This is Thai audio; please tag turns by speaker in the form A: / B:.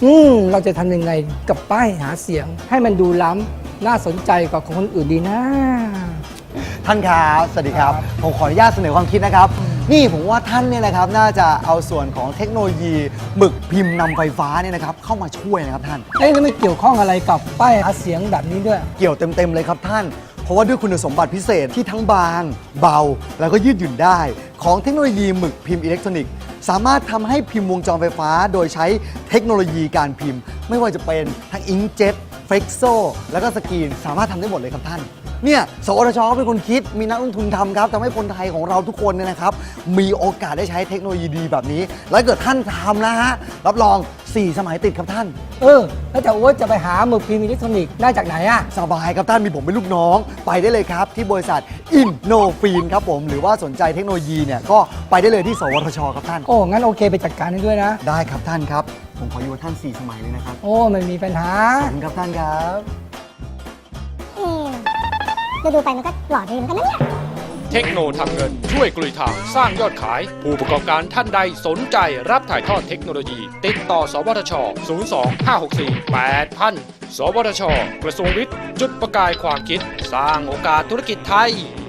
A: เราจะทำยังไงกับป้ายหาเสียง ให้มันดูล้ำน่าสนใจกว่าของคนอื่นดีนะ
B: ท่านครับสวัสดีครับผมขออนุญาตเสนอความคิดนะครับนี่ผมว่าท่านเนี่ยนะครับน่าจะเอาส่วนของเทคโนโลยีหมึกพิมพ์นำไฟฟ้าเนี่ยนะครับเข้ามาช่วยนะครับท่าน
A: แล้วไม่เกี่ยวข้องอะไรกับป้ายหาเสียงแบบนี้ด้วย
B: เกี่ยวเต็มๆเลยครับท่าน เพราะว่าด้วยคุณสมบัติพิเศษที่ทั้งบางเบาแล้วก็ยืดหยุ่นได้ของเทคโนโลยีหมึกพิมพ์อิเล็กทรอนิกส์สามารถทำให้พิมพ์วงจรไฟฟ้าโดยใช้เทคโนโลยีการพิมพ์ ไม่ว่าจะเป็นทั้งอิงเจ็ตเฟล็กโซแล้วก็สกรีนสามารถทำได้หมดเลยครับท่านเนี่ยสวทชเป็นคนคิดมีนักลงทุนทำครับทำให้คนไทยของเราทุกคนเนี่ยนะครับมีโอกาสได้ใช้เทคโนโลยีดีแบบนี้ แล้วเกิดท่านทำนะฮะรับรอง4 สมัยติดครับท่าน
A: แล้วแต่ว่าจะไปหาหมึกพิมพ์อิเล็กทรอนิกส์ได้จากไหนอะ
B: สบายครับท่านมีผมเป็นลูกน้องไปได้เลยครับที่บริษัทอินโนฟีนครับผมหรือว่าสนใจเทคโนโลยีเนี่ยก็ไปได้เลยที่สวทชครับท่าน
A: งั้นโอเคไปจัดการให้ด้วยนะ
B: ได้ครับท่านครับผมขออยู่กับท่าน4 สมัยเลยนะครับ
A: ไม่มีปัญหา
B: ขอบคุณครับท่านครับ
C: ดูไปมันก็หล่อดีเหมือนกันนะเนี่ย
D: เทคโนทำเงินช่วยกลุยทางสร้างยอดขาย ผู้ประกอบการท่านใดสนใจรับถ่ายทอดเทคโนโลยี ติดต่อสวทช 02-564-8000 สวทช กระทรวงวิทย์ จุดประกายความคิด สร้างโอกาสธุรกิจไทย